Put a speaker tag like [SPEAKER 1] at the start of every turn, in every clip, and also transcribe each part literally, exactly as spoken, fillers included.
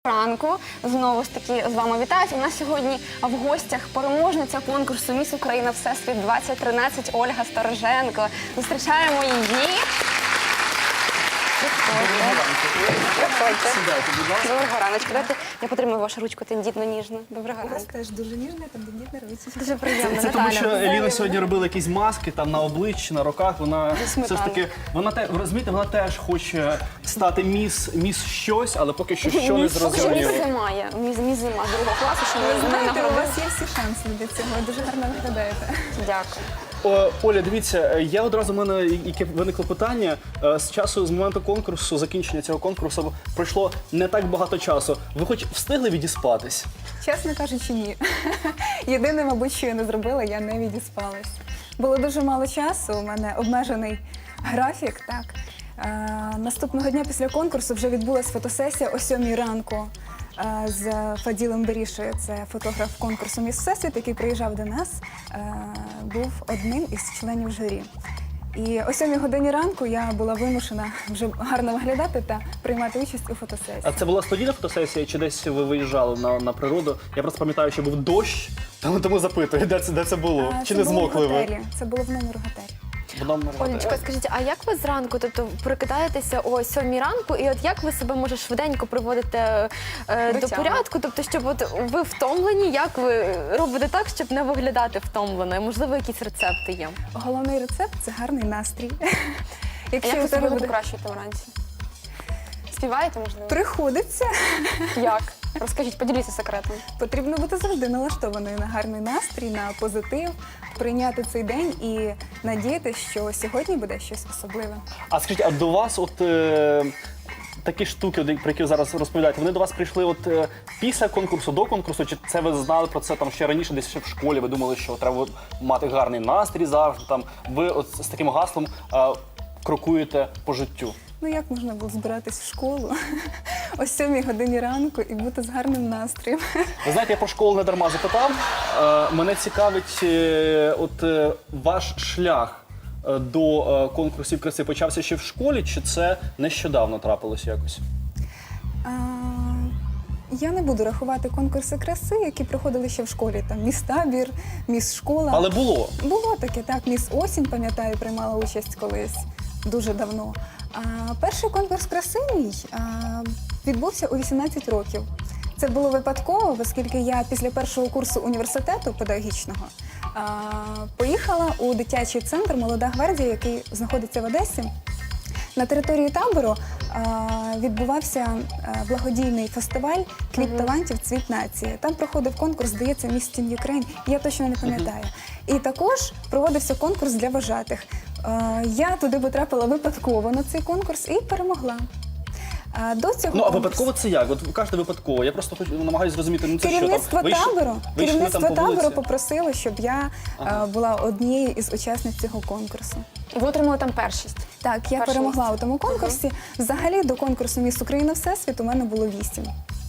[SPEAKER 1] Ранку знову ж таки з вами вітають. У нас сьогодні в гостях переможниця конкурсу «Міс Україна Всесвіт двадцять тринадцять» Ольга Стороженко. Зустрічаємо її. Доброго раночку. Давайте я потримаю вашу ручку тендітно-ніжно. Доброго
[SPEAKER 2] У вас
[SPEAKER 1] ранку.
[SPEAKER 2] теж дуже ніжна, там тендітна ручка.
[SPEAKER 1] Дуже приємно.
[SPEAKER 3] Це тому, що
[SPEAKER 1] Наталя.
[SPEAKER 3] Еліна сьогодні робила якісь маски там на обличчі, на руках. Вона все ж таки, вона те, ви розумієте, вона теж хоче стати міс, міс щось, але поки що що не
[SPEAKER 1] Поки що міс
[SPEAKER 3] зрозуміло.
[SPEAKER 1] зима є. Міс, міс зима другого класу, що
[SPEAKER 2] Ви
[SPEAKER 1] ви не
[SPEAKER 2] знаєте, у
[SPEAKER 1] нагородили.
[SPEAKER 2] вас є всі шанси для цього, дуже гарно виглядаєте.
[SPEAKER 1] Дякую.
[SPEAKER 3] О, Оля, дивіться, я одразу в мене яке виникло питання. Е, З часу, з моменту конкурсу, закінчення цього конкурсу пройшло не так багато часу. Ви хоч встигли відіспатись?
[SPEAKER 2] Чесно кажучи, ні. Єдине, мабуть, що я не зробила, я не відіспалась. Було дуже мало часу, у мене обмежений графік, так. Е, наступного дня після конкурсу вже відбулася фотосесія о сьомій ранку е, з Фаділем Берішою. Це фотограф конкурсу «Міс Всесвіт», який приїжджав до нас, е, був одним із членів журі. І о сьомій годині ранку я була вимушена вже гарно виглядати та приймати участь у фотосесії.
[SPEAKER 3] А це була студійна фотосесія, чи десь ви виїжджали на, на природу? Я просто пам'ятаю, що був дощ, тому, тому запитую, де це, де це було?
[SPEAKER 2] А,
[SPEAKER 3] Чи
[SPEAKER 2] це
[SPEAKER 3] не
[SPEAKER 2] було в
[SPEAKER 3] змокли ви?
[SPEAKER 2] готелі. Це було в номері готелі.
[SPEAKER 4] Олечка, скажіть, а як ви зранку, тобто прокидаєтеся о сьомій ранку, і от як ви себе, може, швиденько приводите е,
[SPEAKER 1] До
[SPEAKER 4] до
[SPEAKER 1] тями.
[SPEAKER 4] порядку? Тобто, щоб от ви втомлені, як ви робите так, щоб не виглядати втомленою? Можливо, якісь рецепти є?
[SPEAKER 2] Головний рецепт – це гарний настрій.
[SPEAKER 1] А
[SPEAKER 2] Якщо
[SPEAKER 1] як
[SPEAKER 2] у
[SPEAKER 1] ви
[SPEAKER 2] тебе
[SPEAKER 1] себе
[SPEAKER 2] буде
[SPEAKER 1] покращуєте вранці? Співаєте, можливо?
[SPEAKER 2] приходиться,
[SPEAKER 1] Як? Розкажіть, поділіться секретом.
[SPEAKER 2] потрібно бути завжди налаштованою на гарний настрій, на позитив, прийняти цей день і надіятися, що сьогодні буде щось особливе.
[SPEAKER 3] А скажіть, а до вас от е, такі штуки, от, про які ви зараз розповідаєте, вони до вас прийшли от е, після конкурсу, до конкурсу, чи це ви знали про це там ще раніше, десь ще в школі, ви думали, що треба от мати гарний настрій завжди, там, ви от з таким гаслом е, крокуєте по життю?
[SPEAKER 2] Ну як можна було збиратись в школу о сьомій годині ранку і бути з гарним настроєм?
[SPEAKER 3] Ви знаєте, я про школу не дарма запитав. Е, мене цікавить е, от е, ваш шлях е, до е, конкурсів краси почався ще в школі, чи це нещодавно трапилося якось?
[SPEAKER 2] А, я не буду рахувати конкурси краси, які проходили ще в школі. Там міс-табір, міс-школа.
[SPEAKER 3] Але було.
[SPEAKER 2] Було таке, так, міс-осінь, пам'ятаю, приймала участь колись, дуже давно. А перший конкурс краси мій а, відбувся у вісімнадцять років. Це було випадково, оскільки я після першого курсу університету педагогічного а, поїхала у дитячий центр «Молода гвардія», який знаходиться в Одесі. На території табору а, відбувався а, благодійний фестиваль «Квіт талантів. Цвіт нації». Там проходив конкурс, здається, «Міс Тін Юкрейн», я точно не пам'ятаю. І також проводився конкурс для вожатих. А, я туди потрапила випадково на цей конкурс і перемогла. А, до цього
[SPEAKER 3] Ну, а
[SPEAKER 2] конкурсу-
[SPEAKER 3] випадково це як? От ви кажете випадково. Я просто хочу, намагаюся зрозуміти, ну це
[SPEAKER 2] Керівництво
[SPEAKER 3] що там? Ви йшли-
[SPEAKER 2] табору,
[SPEAKER 3] ви йшли
[SPEAKER 2] керівництво
[SPEAKER 3] там по
[SPEAKER 2] табору
[SPEAKER 3] вулиці?
[SPEAKER 2] попросило, щоб я
[SPEAKER 3] Ага.
[SPEAKER 2] а, була однією із учасниць цього конкурсу.
[SPEAKER 1] І ви отримали там першість.
[SPEAKER 2] Так, я
[SPEAKER 1] Перше
[SPEAKER 2] перемогла
[SPEAKER 1] місце.
[SPEAKER 2] у тому конкурсі. Взагалі до конкурсу «Міс Україна Всесвіт» у мене було вісім.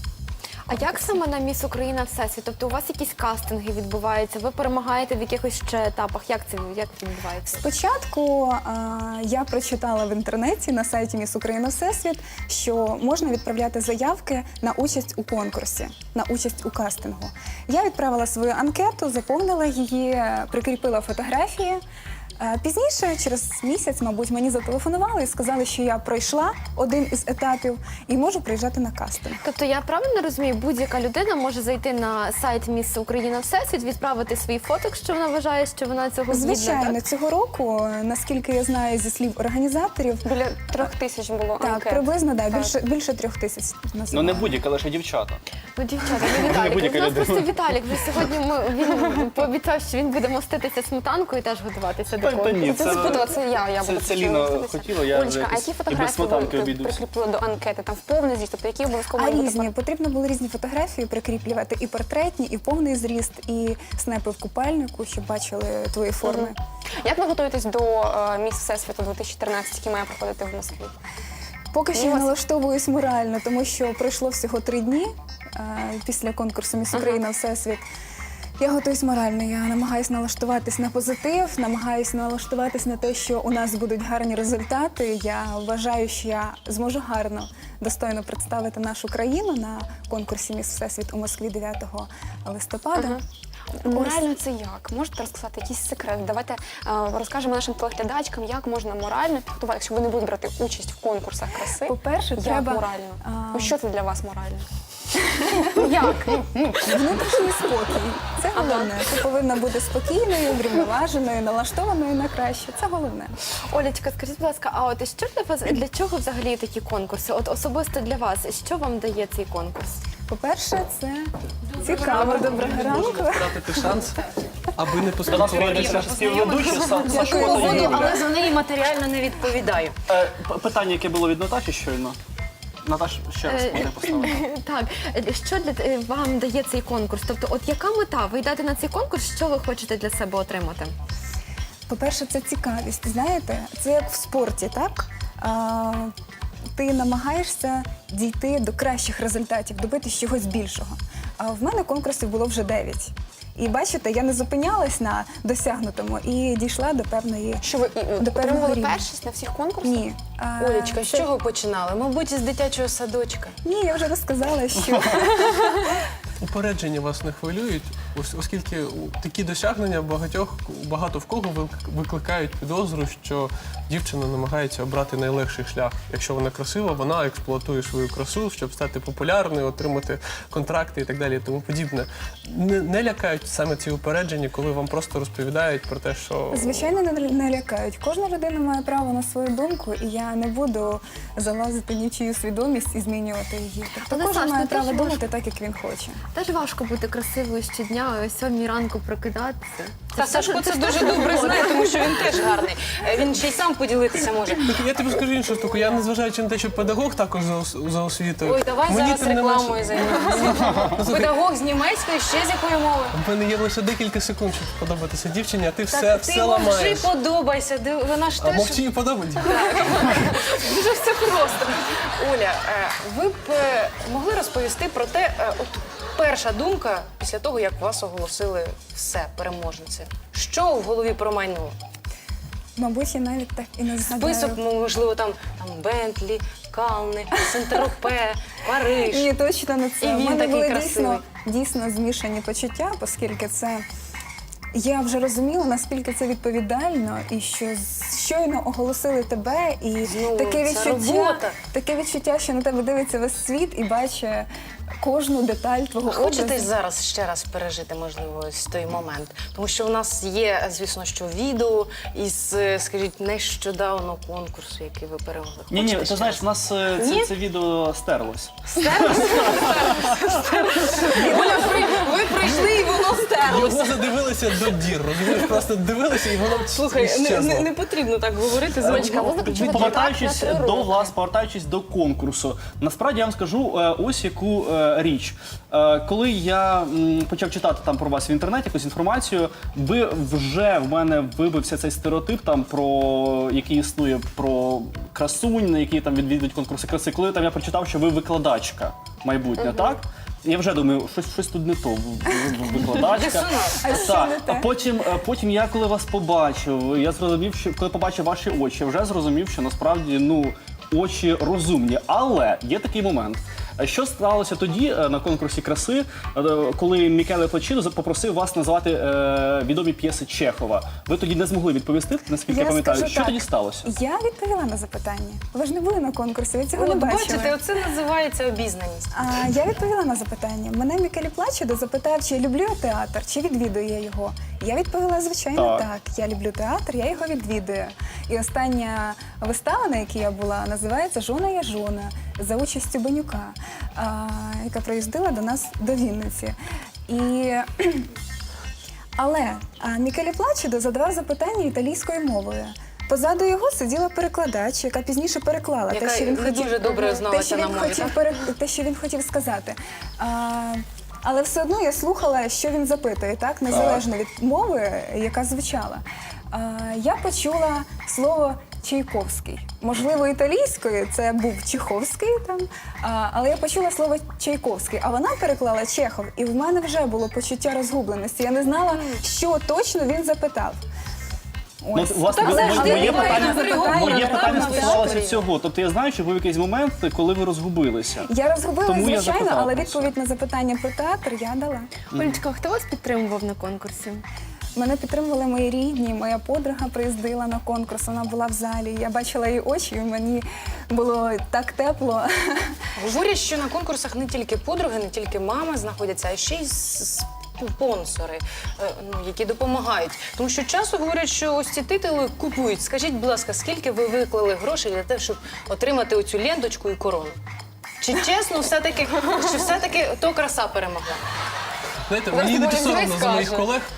[SPEAKER 4] А як саме на Міс Україна Всесвіт? Тобто у вас якісь кастинги відбуваються? Ви перемагаєте в якихось ще етапах? Як це як це відбувається?
[SPEAKER 2] Спочатку а, я прочитала в інтернеті на сайті «Міс Україна Всесвіт», що можна відправляти заявки на участь у конкурсі, на участь у кастингу. Я відправила свою анкету, заповнила її, прикріпила фотографії. А Пізніше, через місяць, мабуть, мені зателефонували і сказали, що я пройшла один із етапів і можу приїжджати на кастинг.
[SPEAKER 4] Тобто я правильно розумію, будь-яка людина може зайти на сайт Міс Україна Всесвіт, відправити свій фото, якщо вона вважає, що вона цього гідна,
[SPEAKER 2] Звичайно,
[SPEAKER 4] так?
[SPEAKER 2] цього року, наскільки я знаю зі слів організаторів,
[SPEAKER 1] Біля трьох тисяч було
[SPEAKER 2] так,
[SPEAKER 1] анкет.
[SPEAKER 2] приблизно, да,
[SPEAKER 1] Так.
[SPEAKER 2] більше, більше трьох тисяч
[SPEAKER 3] Ну
[SPEAKER 2] називали.
[SPEAKER 3] не будь-яка, лише дівчата.
[SPEAKER 4] Ну, дівчата, ну, Віталік,
[SPEAKER 3] будь-яка
[SPEAKER 4] у нас
[SPEAKER 3] людина.
[SPEAKER 4] просто Віталік, вже сьогодні ми, він пообіцяв, що він буде моститися сметанкою і теж готуватися до
[SPEAKER 3] Та- та
[SPEAKER 4] конкурсу.
[SPEAKER 3] ні,
[SPEAKER 1] Це
[SPEAKER 3] це-
[SPEAKER 1] сподобалося, це я, я
[SPEAKER 3] це-
[SPEAKER 1] буду
[SPEAKER 3] це
[SPEAKER 1] почати
[SPEAKER 3] Ліна
[SPEAKER 1] міститися.
[SPEAKER 3] хотіла, я вже
[SPEAKER 1] Олечка, а
[SPEAKER 3] якось
[SPEAKER 1] які
[SPEAKER 3] і без
[SPEAKER 1] фотографії
[SPEAKER 3] сметанки
[SPEAKER 1] ви
[SPEAKER 3] обійдусь.
[SPEAKER 1] прикріпили до анкети? Там в повний зріст, тобто які обов'язково
[SPEAKER 2] А
[SPEAKER 1] мають бути
[SPEAKER 2] різні, потрібно було різні фотографії прикріплювати, і портретні, і повний зріст, і снепи в купальнику, щоб бачили твої форми.
[SPEAKER 1] Як ви готуєтесь до е, «Міс Всесвіту дві тисячі тринадцять, який має проходити в Москві?
[SPEAKER 2] Поки що
[SPEAKER 1] Ну,
[SPEAKER 2] я
[SPEAKER 1] вас-
[SPEAKER 2] налаштовуюсь морально, тому що пройшло всього три дні е, після конкурсу «Міс Україна Всесвіт». Я готуюсь морально, я намагаюся налаштуватись на позитив, намагаюся налаштуватись на те, що у нас будуть гарні результати. Я вважаю, що я зможу гарно, достойно представити нашу країну на конкурсі «Міс Всесвіт» у Москві дев'ятого листопада.
[SPEAKER 1] Морально це як? Можете розказати якийсь секрет? Давайте е, розкажемо нашим телеглядачкам, як можна морально підготувати, якщо вони будуть брати участь в конкурсах краси.
[SPEAKER 2] По-перше,
[SPEAKER 1] як
[SPEAKER 2] треба
[SPEAKER 1] морально?
[SPEAKER 2] а,
[SPEAKER 1] Ну, що це для вас морально? Ну, як? Ну, ну,
[SPEAKER 2] внутрішній спокій. Це головне. Ти повинна бути спокійною, врівноваженою, налаштованою на краще. Це головне.
[SPEAKER 4] Олечка, скажіть, будь ласка, а от що для вас, для чого взагалі такі конкурси? От особисто для вас, що вам дає цей конкурс?
[SPEAKER 2] По-перше, це цікаво. Доброго ранку.
[SPEAKER 5] Втратити шанс, аби не
[SPEAKER 3] До нас
[SPEAKER 5] поспілкуватися.
[SPEAKER 3] прийде співведучий Са- Сашко та
[SPEAKER 6] Погоду,
[SPEAKER 3] Юлія.
[SPEAKER 6] але за неї матеріально не відповідаю.
[SPEAKER 3] Е, п- Питання, яке було від Наташі щойно. Наташ, ще раз
[SPEAKER 4] Е,
[SPEAKER 3] можна поставити.
[SPEAKER 4] Так, е, що для е, вам дає цей конкурс? Тобто, от яка мета? Ви йдете на цей конкурс, що ви хочете для себе отримати?
[SPEAKER 2] По-перше, це цікавість. Знаєте, це як в спорті, так? А, ти намагаєшся дійти до кращих результатів, добитися чогось більшого. А в мене конкурсів було вже дев'ять. І бачите, я не зупинялась на досягнутому і дійшла до певної.
[SPEAKER 1] що ви і,
[SPEAKER 2] До певного
[SPEAKER 1] отримували
[SPEAKER 2] рівня.
[SPEAKER 1] першість на всіх конкурсах?
[SPEAKER 2] Ні. А,
[SPEAKER 6] Олечка, з
[SPEAKER 2] це-
[SPEAKER 6] чого починали? Мабуть, з дитячого садочка.
[SPEAKER 2] Ні, я вже розказала, що
[SPEAKER 5] Упередження вас не хвилюють, ос- оскільки у- такі досягнення багатьох, багато в кого вик- викликають підозру, що дівчина намагається обрати найлегший шлях. Якщо вона красива, вона експлуатує свою красу, щоб стати популярною, отримати контракти і так далі, і тому подібне. Не, не лякають саме ці упередження, коли вам просто розповідають про те, що
[SPEAKER 2] звичайно не, не лякають. Кожна людина має право на свою думку, і я не буду залазити ні в чию свідомість і змінювати її. Тобто
[SPEAKER 4] Але,
[SPEAKER 2] кожен
[SPEAKER 4] Саш,
[SPEAKER 2] має
[SPEAKER 4] ну, ти
[SPEAKER 2] право
[SPEAKER 4] ж
[SPEAKER 2] думати так, як він хоче.
[SPEAKER 4] Теж важко бути красивою щодня, о сьомій ранку прокидатися.
[SPEAKER 6] Та
[SPEAKER 4] ж
[SPEAKER 6] Сашко
[SPEAKER 4] теж-
[SPEAKER 6] це
[SPEAKER 4] ж
[SPEAKER 6] дуже
[SPEAKER 4] теж
[SPEAKER 6] добре
[SPEAKER 4] робота.
[SPEAKER 6] знає, тому що він теж гарний. Е, Він ще й сам поділитися може.
[SPEAKER 5] я тобі скажу іншу штуку. Я, незважаючи на те, що педагог також за, ос- за освітою.
[SPEAKER 6] Ой, давай
[SPEAKER 5] мені
[SPEAKER 6] зараз
[SPEAKER 5] тим не менше-
[SPEAKER 6] рекламою займемося. Педагог з німецької, ще з якої мови.
[SPEAKER 5] В мене є лише декілька секунд, щоб подобатися дівчині, а ти все,
[SPEAKER 6] Так,
[SPEAKER 5] все
[SPEAKER 6] ти мовчи,
[SPEAKER 5] ламаєш.
[SPEAKER 6] подобайся. Ди- Вона ж
[SPEAKER 5] А
[SPEAKER 6] теж
[SPEAKER 5] мовчи і подобається.
[SPEAKER 6] дуже все просто. Оля, е, ви б е, могли розповісти про те, е, от перша думка після того, як вас оголосили все, переможниці. Що в голові промайнуло?
[SPEAKER 2] Мабуть, я навіть так і не згадаю.
[SPEAKER 6] Список, можливо, там, там Бентлі, Кални, Сент-Тропе, Париж.
[SPEAKER 2] Ні, точно не це.
[SPEAKER 6] І
[SPEAKER 2] У
[SPEAKER 6] він
[SPEAKER 2] мене
[SPEAKER 6] такий
[SPEAKER 2] були
[SPEAKER 6] красивий.
[SPEAKER 2] дійсно, дійсно змішані почуття, оскільки це. Я вже розуміла, наскільки це відповідально, і що з- щойно оголосили тебе, і
[SPEAKER 6] Знову
[SPEAKER 2] таке
[SPEAKER 6] ця
[SPEAKER 2] відчуття,
[SPEAKER 6] робота.
[SPEAKER 2] таке відчуття, що на тебе дивиться весь світ і бачить кожну деталь твого
[SPEAKER 6] Хочете
[SPEAKER 2] образу.
[SPEAKER 6] зараз ще раз пережити, можливо, ось той момент? Тому що у нас є, звісно, що відео із, е, скажіть, нещодавно конкурсу, який ви перемогли.
[SPEAKER 3] Ні, ні,
[SPEAKER 6] Хочете
[SPEAKER 3] ти
[SPEAKER 6] ще
[SPEAKER 3] знаєш,
[SPEAKER 6] раз?
[SPEAKER 3] в нас е,
[SPEAKER 6] Ні?
[SPEAKER 3] це, це відео стерлось.
[SPEAKER 6] Оля, ви, ви прийшли і воно стерлося.
[SPEAKER 5] Його задивилися до дір, розумієш? Просто дивилися і воно
[SPEAKER 6] Слухай, не,
[SPEAKER 5] щезло.
[SPEAKER 6] не, не потрібно так говорити.
[SPEAKER 1] Олечка, ви заключили
[SPEAKER 3] Повертаючись
[SPEAKER 1] контракт на три
[SPEAKER 3] до
[SPEAKER 1] роки.
[SPEAKER 3] влас, повертаючись до конкурсу. Насправді я вам скажу е, ось яку е, річ. Е, Коли я м, почав читати там про вас в інтернеті якусь інформацію, ви вже в мене вибився цей стереотип там про який існує про красунь, які там відвідують конкурси краси. Коли там я прочитав, що ви викладачка майбутня, так? Я вже думаю, щось, щось тут не то. Ви- ви- ви Викладачка.
[SPEAKER 2] А що
[SPEAKER 3] Так,
[SPEAKER 2] не
[SPEAKER 3] а
[SPEAKER 2] те?
[SPEAKER 3] потім, а потім я коли вас побачив, я зрозумів, що коли побачив ваші очі, я вже зрозумів, що насправді ну очі розумні. Але є такий момент. Що сталося тоді е, на конкурсі краси, е, коли Мікеле Плачідо попросив вас назвати е, відомі п'єси Чехова? Ви тоді не змогли відповісти, наскільки я,
[SPEAKER 2] Я
[SPEAKER 3] пам'ятаю.
[SPEAKER 2] скажу
[SPEAKER 3] Що
[SPEAKER 2] так,
[SPEAKER 3] тоді сталося?
[SPEAKER 2] Я відповіла на запитання. Ви ж не були на конкурсі, ви цього
[SPEAKER 6] От
[SPEAKER 2] не бачили.
[SPEAKER 6] бачите, оце називається обізнаність.
[SPEAKER 2] А, я відповіла на запитання. Мене Мікелі Плачідо запитав, чи люблю я театр, чи відвідую я його. Я відповіла, звичайно,
[SPEAKER 3] Так.
[SPEAKER 2] так. Я люблю театр, я його відвідую. І остання вистава, на якій я була, називається «Жона є жона» за участю Бенюка, а, яка приїздила до нас до Вінниці. І... Але а, Мікелі Плачідо задавав запитання італійською мовою. Позаду його сиділа перекладач, яка пізніше переклала
[SPEAKER 6] Яка
[SPEAKER 2] те, що він
[SPEAKER 6] не
[SPEAKER 2] хотів,
[SPEAKER 6] дуже добре
[SPEAKER 2] те,
[SPEAKER 6] зналася
[SPEAKER 2] що
[SPEAKER 6] на
[SPEAKER 2] він
[SPEAKER 6] мові,
[SPEAKER 2] хотів
[SPEAKER 6] так?
[SPEAKER 2] пере- те, що він хотів сказати. А, але все одно я слухала, що він запитує, так незалежно від мови, яка звучала. А, я почула слово Чайковський. Можливо, італійською це був Чеховський там, а, але я почула слово Чайковський, а вона переклала Чехов, і в мене вже було почуття розгубленості. Я не знала, що точно він запитав.
[SPEAKER 3] Ну,
[SPEAKER 2] Ось.
[SPEAKER 3] власне,
[SPEAKER 6] Так
[SPEAKER 3] моє
[SPEAKER 6] завжди
[SPEAKER 3] моє
[SPEAKER 6] буває
[SPEAKER 3] питання,
[SPEAKER 6] на Григорія,
[SPEAKER 3] моє
[SPEAKER 6] так,
[SPEAKER 3] питання
[SPEAKER 6] на
[SPEAKER 3] стосувалося
[SPEAKER 6] театрі.
[SPEAKER 3] цього. Тобто я знаю, що був якийсь момент, коли ви розгубилися.
[SPEAKER 2] Я розгубила,
[SPEAKER 3] Тому я
[SPEAKER 2] звичайно,
[SPEAKER 3] запитав
[SPEAKER 2] але
[SPEAKER 3] про це.
[SPEAKER 2] відповідь на запитання про театр я дала.
[SPEAKER 4] Олечка, хто вас підтримував на конкурсі?
[SPEAKER 2] Мене підтримували мої рідні, моя подруга приїздила на конкурс, вона була в залі. Я бачила її очі, і мені було так тепло.
[SPEAKER 6] Говорять, що на конкурсах не тільки подруги, не тільки мами знаходяться, а ще й с- спонсори, е, ну, які допомагають. Тому що часто говорять, що ось ці титули купують. Скажіть, будь ласка, скільки ви виклали грошей для того, щоб отримати оцю ленточку і корону? Чи чесно, все-таки, чи все-таки то краса перемогла?
[SPEAKER 5] Знаєте,
[SPEAKER 1] Зараз
[SPEAKER 5] мені не
[SPEAKER 1] Оля
[SPEAKER 5] соромно
[SPEAKER 1] Зой
[SPEAKER 5] за моїх
[SPEAKER 1] скаже.
[SPEAKER 5] колег.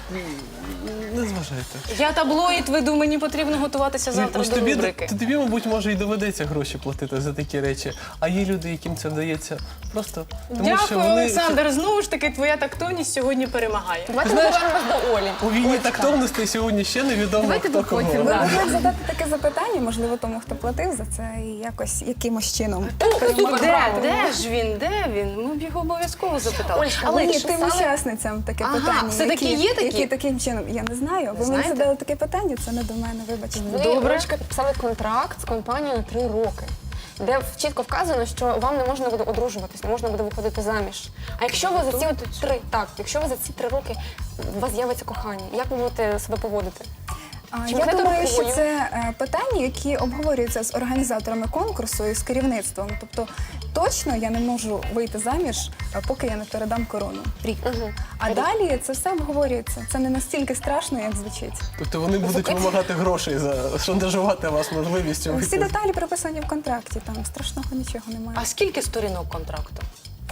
[SPEAKER 5] Не зважайте.
[SPEAKER 6] Я таблоїд веду, мені потрібно готуватися завтра
[SPEAKER 5] Ось
[SPEAKER 6] до
[SPEAKER 5] тобі,
[SPEAKER 6] рубрики.
[SPEAKER 5] то тобі, мабуть, може і доведеться гроші платити за такі речі. А є люди, яким це вдається просто тому, що
[SPEAKER 6] Дякую,
[SPEAKER 5] вони
[SPEAKER 6] Олександр. Знову ж таки, твоя тактовність сьогодні перемагає.
[SPEAKER 1] Давайте ми повернемось до Олі.
[SPEAKER 5] у війні тактовності сьогодні ще невідомо,
[SPEAKER 4] Давайте
[SPEAKER 5] хто кого.
[SPEAKER 4] виходимо.
[SPEAKER 2] Ви
[SPEAKER 4] Да.
[SPEAKER 2] могли б задати таке запитання, можливо, тому, хто платив за це, і якось якимось чином.
[SPEAKER 6] Де, де ж він? Де він? Ми б його обов'язково запитали.
[SPEAKER 1] Олечка,
[SPEAKER 6] Але
[SPEAKER 2] Але
[SPEAKER 1] ви
[SPEAKER 2] тим
[SPEAKER 1] писали?
[SPEAKER 2] учасницям таке
[SPEAKER 6] Ага,
[SPEAKER 2] питання.
[SPEAKER 6] все-таки
[SPEAKER 2] які,
[SPEAKER 6] є такі?
[SPEAKER 2] Які таким чином, я не знаю. Ви мені
[SPEAKER 6] знаєте?
[SPEAKER 2] задали таке питання, це не до мене, вибачте.
[SPEAKER 1] Ви,
[SPEAKER 6] Добре.
[SPEAKER 1] Олечка, підписали контракт з компанією на три роки, де чітко вказано, що вам не можна буде одружуватись, не можна буде виходити заміж. А якщо ви за ці от три, так, якщо ви за ці три роки у вас з'явиться кохання, як ви будете себе поводити?
[SPEAKER 2] А,
[SPEAKER 1] Чи
[SPEAKER 2] Я
[SPEAKER 1] можете
[SPEAKER 2] думаю, що
[SPEAKER 1] рукою?
[SPEAKER 2] це е, питання, які обговорюються з організаторами конкурсу і з керівництвом. Тобто точно я не можу вийти заміж, е, поки я не передам корону. Рік.
[SPEAKER 1] Мгм.
[SPEAKER 2] А далі це все обговорюється. Це не настільки страшно, як звучить.
[SPEAKER 5] Тобто вони будуть вимагати грошей за шантажувати вас можливістю
[SPEAKER 2] Всі
[SPEAKER 5] вийти.
[SPEAKER 2] деталі прописані в контракті, там страшного нічого немає.
[SPEAKER 6] А скільки сторінок контракту?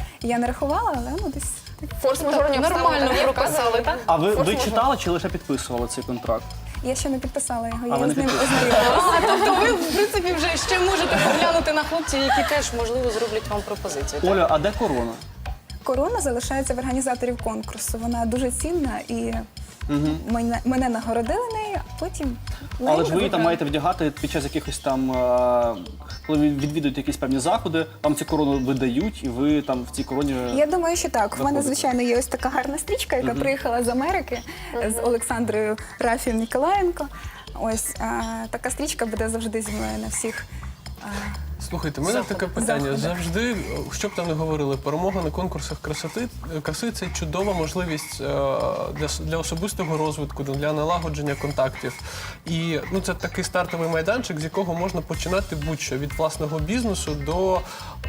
[SPEAKER 2] Я не рахувала, але ну десь.
[SPEAKER 1] Форс-мажорні
[SPEAKER 6] Нормально
[SPEAKER 1] обставини є
[SPEAKER 6] прописали,
[SPEAKER 1] вказані?
[SPEAKER 6] так?
[SPEAKER 3] А ви, ви
[SPEAKER 1] Форс-мажор.
[SPEAKER 3] читали чи лише підписували цей контракт?
[SPEAKER 2] Я ще не підписала його,
[SPEAKER 3] А
[SPEAKER 2] я
[SPEAKER 3] ви не
[SPEAKER 2] з ним
[SPEAKER 3] підписали?
[SPEAKER 2] ознайомилася.
[SPEAKER 6] А, тобто ви, в принципі, вже ще можете поглянути на хлопців, які теж, можливо, зроблять вам пропозицію. так?
[SPEAKER 3] Оля, а де корона?
[SPEAKER 2] Корона залишається в організаторів конкурсу. Вона дуже цінна і мене, мене нагородили нею, а потім.
[SPEAKER 3] Але ж ви її там
[SPEAKER 2] забрали.
[SPEAKER 3] маєте вдягати під час якихось там, е, коли ви відвідуєте якісь певні заходи, вам цю корону видають, і ви там в цій короні.
[SPEAKER 2] Я думаю, що так. В мене,
[SPEAKER 3] Заходите.
[SPEAKER 2] звичайно, є ось така гарна стрічка, яка приїхала з Америки з Олександрою Рафів Ніколаєнко. Ось а, така стрічка буде завжди зі мною на всих. а,
[SPEAKER 5] Слухайте, у мене таке питання.
[SPEAKER 2] Заходи.
[SPEAKER 5] Завжди, що б там не говорили, перемога на конкурсах красоти, краси це чудова можливість е, для, с- для особистого розвитку, для налагодження контактів. І ну, це такий стартовий майданчик, з якого можна починати будь-що від власного бізнесу до,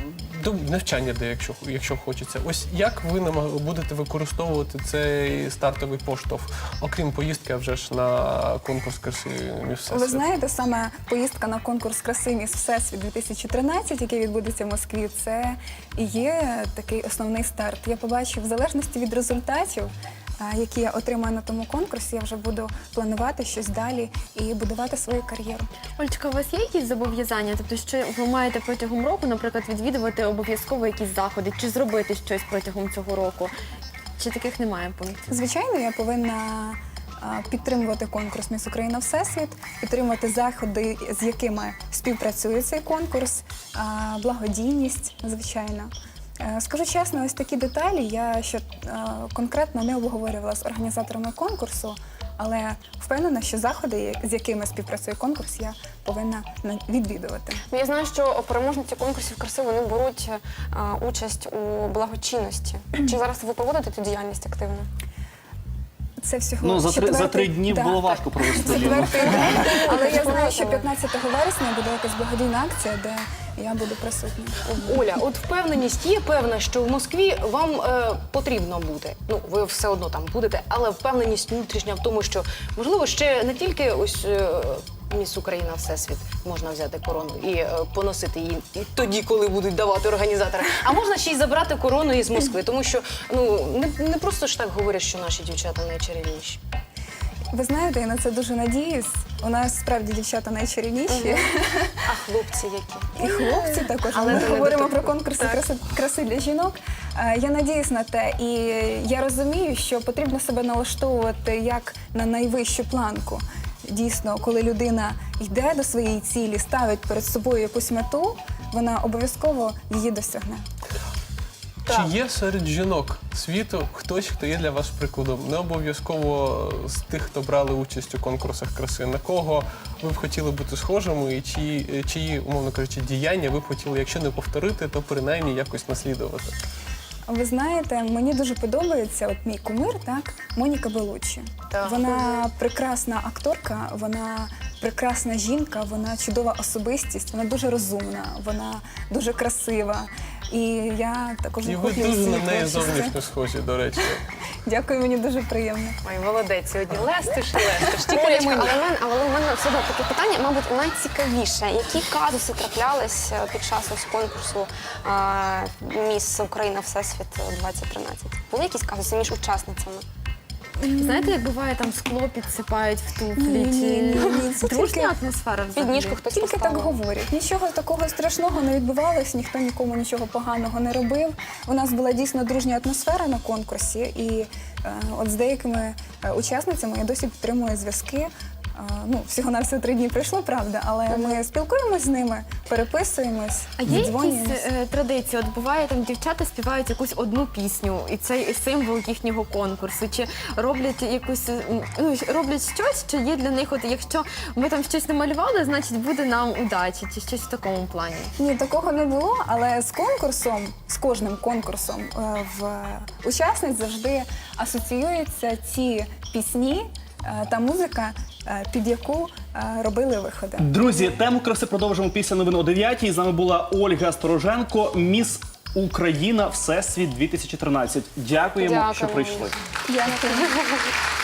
[SPEAKER 5] до навчання, де якщо, якщо хочеться. Ось як ви намаг- будете використовувати цей стартовий поштовх, окрім поїздки, а вже ж на конкурс краси «Міс Всесвіт»?
[SPEAKER 2] Ви знаєте, саме поїздка на конкурс краси «Міс Всесвіт» дві тисячі тринадцять, який відбудеться в Москві, це і є такий основний старт. Я побачу, в залежності від результатів, а, які я отримаю на тому конкурсі, я вже буду планувати щось далі і будувати свою кар'єру.
[SPEAKER 4] Олечка, у вас є якісь зобов'язання? Тобто, що ви маєте протягом року, наприклад, відвідувати обов'язково якісь заходи, чи зробити щось протягом цього року? Чи таких немає пунктів?
[SPEAKER 2] Звичайно, я повинна а, підтримувати конкурс «Міс Україна Всесвіт», підтримувати заходи, з якими співпрацює цей конкурс, а, благодійність, звичайно. Е, Скажу чесно, ось такі деталі я ще е, конкретно не обговорювала з організаторами конкурсу, але впевнена, що заходи, з якими співпрацює конкурс, я повинна на- відвідувати.
[SPEAKER 1] Ну, я знаю, що переможниці конкурсів краси вони беруть а, участь у благочинності. Чи зараз ви проводите цю діяльність активно?
[SPEAKER 2] Це всього
[SPEAKER 3] Ну, за три, за
[SPEAKER 2] четвертий-
[SPEAKER 3] три дні
[SPEAKER 2] да,
[SPEAKER 3] було
[SPEAKER 2] так.
[SPEAKER 3] важко провести. Ліну.
[SPEAKER 2] Четвертий день, але я знаю, що п'ятнадцятого вересня буде якась благодійна акція, де я буду присутня.
[SPEAKER 6] Оля, от впевненість є певна, що в Москві вам е, потрібно бути. Ну, ви все одно там будете, але впевненість внутрішня в тому, що можливо ще не тільки ось е, Міс Україна Всесвіт можна взяти корону і е, поносити її і тоді, коли будуть давати організатори. А можна ще й забрати корону із Москви, тому що ну не, не просто ж так говорять, що наші дівчата найчарівніші.
[SPEAKER 2] Ви знаєте, я на це дуже надіюсь. У нас справді дівчата найчарівніші.
[SPEAKER 6] А хлопці які?
[SPEAKER 2] І хлопці також.
[SPEAKER 6] Але
[SPEAKER 2] Ми
[SPEAKER 6] це не
[SPEAKER 2] говоримо
[SPEAKER 6] до
[SPEAKER 2] про
[SPEAKER 6] того.
[SPEAKER 2] конкурси краси, краси для жінок. Е, Я надіюсь на те, і я розумію, що потрібно себе налаштовувати як на найвищу планку. дійсно, коли людина йде до своєї цілі, ставить перед собою якусь мету, вона обов'язково її досягне.
[SPEAKER 5] Чи є серед жінок світу хтось, хто є для вас прикладом? Не обов'язково з тих, хто брали участь у конкурсах краси. На кого ви б хотіли бути схожими і чиї, чиї, умовно кажучи, діяння ви б хотіли, якщо не повторити, то принаймні якось наслідувати?
[SPEAKER 2] Ви знаєте, мені дуже подобається от мій кумир, так, Моніка Белуччі.
[SPEAKER 6] Так.
[SPEAKER 2] Вона прекрасна акторка, вона прекрасна жінка, вона чудова особистість, вона дуже розумна, вона дуже красива. І я також
[SPEAKER 5] І ви
[SPEAKER 2] захоплююсь
[SPEAKER 5] дуже на
[SPEAKER 2] її
[SPEAKER 5] неї
[SPEAKER 2] творчістю.
[SPEAKER 5] зовнішньо схожі, до речі.
[SPEAKER 2] Дякую, мені дуже приємно.
[SPEAKER 6] Ой, молодець, сьогодні лестиш і лестиш. Тільки
[SPEAKER 1] Олечка,
[SPEAKER 6] не
[SPEAKER 1] але
[SPEAKER 6] мені.
[SPEAKER 1] в мене, але в мене все одно таке питання, мабуть, найцікавіше. Які казуси траплялись е, під час ось конкурсу е, «Міс Україна Всесвіт двадцять тринадцять»? Були якісь казуси між учасницями?
[SPEAKER 4] Знаєте, як буває, там скло підсипають в туфлі?
[SPEAKER 2] Ні, ні,
[SPEAKER 4] Чи
[SPEAKER 2] ні, ні, це
[SPEAKER 4] дружня
[SPEAKER 2] тільки
[SPEAKER 4] атмосфера взагалі?
[SPEAKER 1] Підніжку хтось
[SPEAKER 2] Тільки так
[SPEAKER 1] поставив?
[SPEAKER 2] говорять. Нічого такого страшного не відбувалось, ніхто нікому нічого поганого не робив. У нас була дійсно дружня атмосфера на конкурсі, і е, от з деякими е, учасницями я досі підтримую зв'язки. Е, ну, всього-навсього три дні пройшло, правда, але ми спілкуємось з ними, переписуємось,
[SPEAKER 4] А є якісь
[SPEAKER 2] дзвонюємось.
[SPEAKER 4] е, традиції? От буває, там дівчата співають якусь одну пісню, і це і символ їхнього конкурсу. Чи роблять якусь м, ну, роблять щось, що є для них, от якщо ми там щось намалювали, значить буде нам удачі, чи щось в такому плані?
[SPEAKER 2] Ні, такого не було, але з конкурсом, з кожним конкурсом е, в учасниць завжди асоціюються ці пісні е, та музика, е, під яку е, робили виходи.
[SPEAKER 3] Друзі, тему краси продовжимо після новин о дев'ятій. З нами була Ольга Стороженко, «Міс Україна Всесвіт дві тисячі тринадцять». Дякуємо,
[SPEAKER 1] Дякуємо.
[SPEAKER 3] що прийшли.
[SPEAKER 2] Дякую.